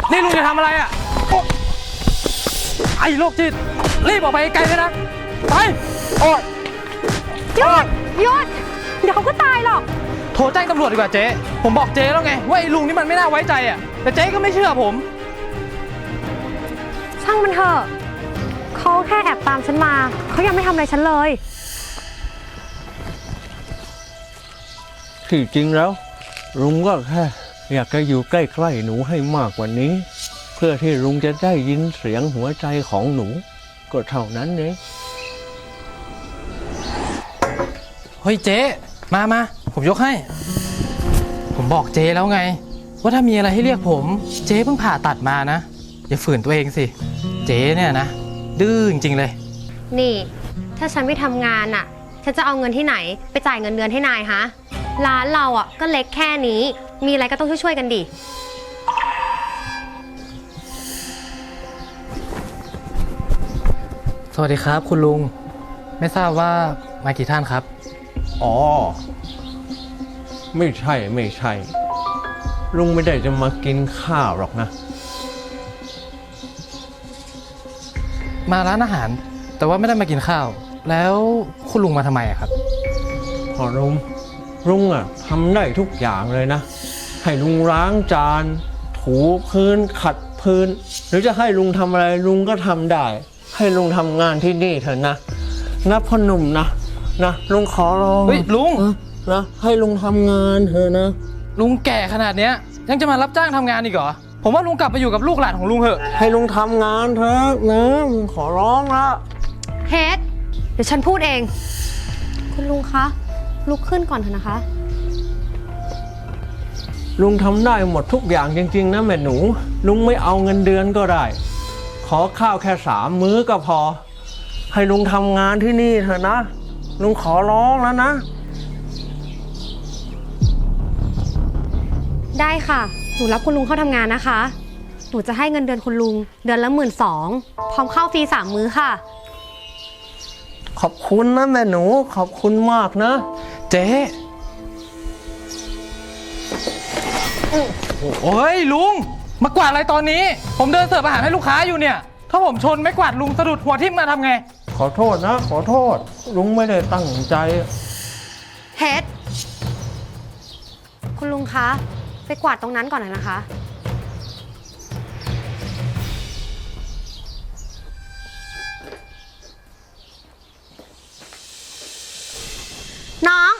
นี่ลุงจะทำอะไรอ่ะไอ้โรคจิตรีบออกไปไกลเลยนะไปโอ๊ยหยุดเดี๋ยวเขาก็ตายหรอกโทรแจ้งตำรวจดีกว่าเจ๊ผมบอกเจ๊แล้วไงว่าไอ้ลุงนี่มันไม่น่าไว้ใจอ่ะแต่เจ๊ก็ไม่เชื่อผมช่างมันเถอะเขาแค่แอบตามฉันมาเขายังไม่ทำอะไรฉันเลยที่จริงแล้วลุงก็แค่อยากจะอยู่ใกล้ๆหนูให้มากกว่านี้ เพื่อที่ลุงจะได้ยินเสียงหัวใจของหนูก็เท่านั้นเองเฮ้ยเจ๊มาผมยกให้ผมบอกเจ๊แล้วไงว่าถ้ามีอะไรให้เรียกผมเจ๊เพิ่งผ่าตัดมานะอย่าฝืนตัวเองสิเจ๊เนี่ยนะดื้อจริงๆเลยนี่ถ้าฉันไม่ทำงานอ่ะฉันจะเอาเงินที่ไหนไปจ่ายเงินเดือนให้นายฮะร้านเราอ่ะก็เล็กแค่นี้มีอะไรก็ต้องช่วยๆกันดิสวัสดีครับคุณลุงไม่ทราบว่ามากี่ท่านครับอ๋อไม่ใช่ลุงไม่ได้จะมากินข้าวหรอกนะมาร้านอาหารแต่ว่าไม่ได้มากินข้าวแล้วคุณลุงมาทำไมครับพอลุงอ่ะทำได้ทุกอย่างเลยนะให้ลุงล้างจานถูพื้นขัดพื้นหรือจะให้ลุงทำอะไรลุงก็ทำได้ให้ลุงทำงานที่นี่เถอะนะพ่อหนุ่มนะลุงขอร้องเฮ้ยลุงนะให้ลุงทำงานเถอะนะลุงแก่ขนาดเนี้ยยังจะมารับจ้างทำงานอีกเหรอผมว่าลุงกลับไปอยู่กับลูกหลานของลุงเถอะให้ลุงทำงานเถอะนะขอร้องละเฮดเดี๋ยวฉันพูดเองคุณลุงคะลุกขึ้นก่อนเถอะนะคะลุงทำได้หมดทุกอย่างจริงๆนะแม่หนูลุงไม่เอาเงินเดือนก็ได้ขอข้าวแค่3 มื้อก็พอให้ลุงทำงานที่นี่เถอะนะลุงขอร้องแล้วนะได้ค่ะหนูรับคุณลุงเข้าทำงานนะคะหนูจะให้เงินเดือนคุณลุงเดือนละ12,000พร้อมข้าวฟรี3 มื้อค่ะขอบคุณนะแม่หนูขอบคุณมากนะเจ๊โอ้ยลุงมากวาดอะไรตอนนี้ผมเดินเสิร์ฟอาหารให้ลูกค้าอยู่เนี่ยถ้าผมชนไม่กวาดลุงสะดุดหัวทิ่มมาทำไงขอโทษนะขอโทษลุงไม่ได้ตั้งใจเฮดคุณลุงคะไปกวาดตรงนั้นก่อนนะคะน้อง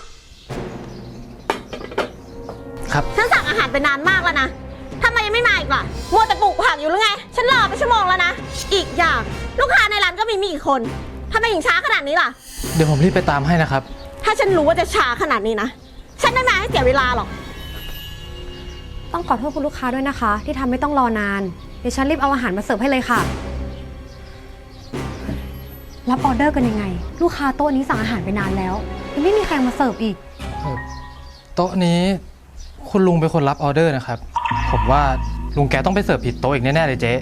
ครับฉันสั่งอาหารไปนานมากแล้วนะทำไมยังไม่มาอีกล่ะมัวแต่ปลูกผักอยู่หรือไงฉันรอไปชั่วโมงแล้วนะอีกอย่างลูกค้าในร้านก็มีกี่คนทำไมถึงช้าขนาดนี้ล่ะเดี๋ยวผมรีบไปตามให้นะครับถ้าฉันรู้ว่าจะช้าขนาดนี้นะฉันไม่มาให้เสียเวลาหรอกต้องขอโทษคุณลูกค้าด้วยนะคะที่ทำไม่ต้องรอนานเดี๋ยวฉันรีบเอาอาหารมาเสิร์ฟให้เลยค่ะรับออเดอร์กันยังไงลูกค้าโต๊ะนี้สั่งอาหารไปนานแล้วยังไม่มีใครมาเสิร์ฟอีกโต๊ะนี้คุณลุงเป็นคนรับออเดอร์นะครับผมว่าลุงแกต้องไปเสิร์ฟผิดโต๊ะอีกแน่ๆเลยเจ๊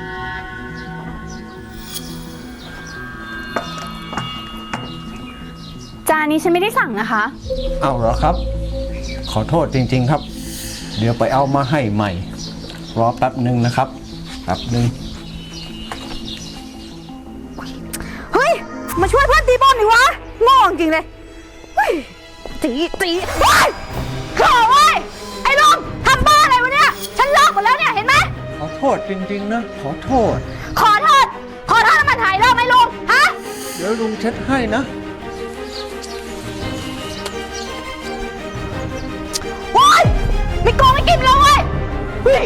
จานนี้ฉันไม่ได้สั่งนะคะเอาเหรอครับขอโทษจริงๆครับเดี๋ยวไปเอามาให้ใหม่รอแป๊บหนึ่งนะครับแป๊บหนึ่งเฮ้ยมาช่วยเพื่อนตีบอลหน่อยวะโง่จริงเลยเฮ้ยตีเฮ้ยขอเว้ยไอ้ลุงทำบ้าอะไรวะเนี่ยฉันเลิกหมดแล้วเนี่ยเห็นไหมขอโทษจริงๆนะขอโทษแล้วมันหายเลิกไหมลุงฮะเดี๋ยวลุงเช็ดให้นะโอ๊ยไม่โกงไม่กินแล้วเว้ยเฮ้ย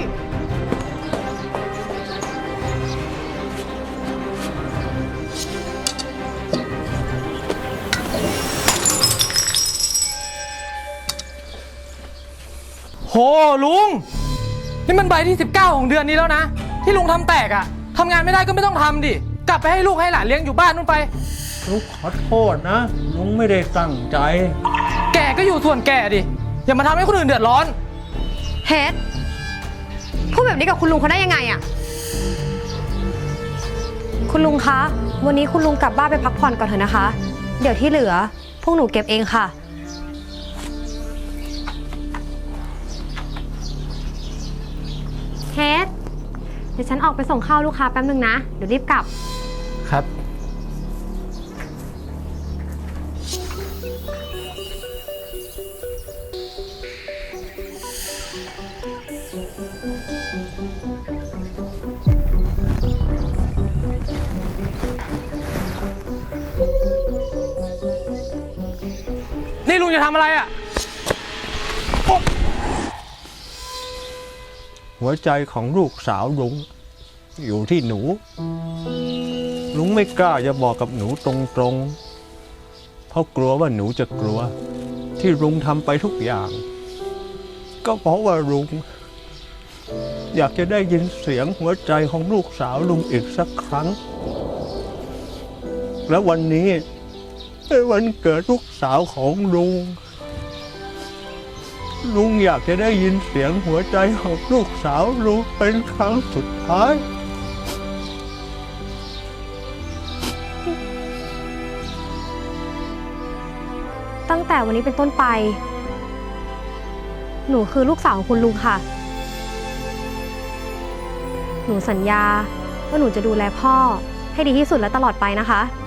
โหลุงนี่มันใบที่19ของเดือนนี้แล้วนะที่ลุงทำแตกอะทำงานไม่ได้ก็ไม่ต้องทำดิกลับไปให้ลูกให้หลานเลี้ยงอยู่บ้านนู่นไปลุงขอโทษนะลุงไม่ได้ตั้งใจแกก็อยู่ส่วนแกดิอย่ามาทำให้คนอื่นเดือดร้อนเฮดพูดแบบนี้กับคุณลุงเขาได้ยังไงอะคุณลุงคะวันนี้คุณลุงกลับบ้านไปพักผ่อนก่อนเถอะนะคะเดี๋ยวที่เหลือพวกหนูเก็บเองค่ะเฮดเดี๋ยวฉันออกไปส่งข้าวลูกค้าแป๊บนึงนะ เดี๋ยวรีบกลับครับ นี่ลุงจะทำอะไรอ่ะหัวใจของลูกสาวลุงอยู่ที่หนู ลุงไม่กล้าจะบอกกับหนูตรงๆ เพราะกลัวว่าหนูจะกลัว ที่ลุงทำไปทุกอย่าง ก็เพราะว่าลุงอยากจะได้ยินเสียงหัวใจของลูกสาวลุงอีกสักครั้ง และวันนี้เป็นวันเกิดลูกสาวของลุง ลุงอยากจะได้ยินเสียงหัวใจของลูกสาวลุงเป็นครั้งสุดท้ายตั้งแต่วันนี้เป็นต้นไป หนูคือลูกสาวของคุณลุงค่ะ หนูสัญญาว่าหนูจะดูแลพ่อให้ดีที่สุดและตลอดไปนะคะ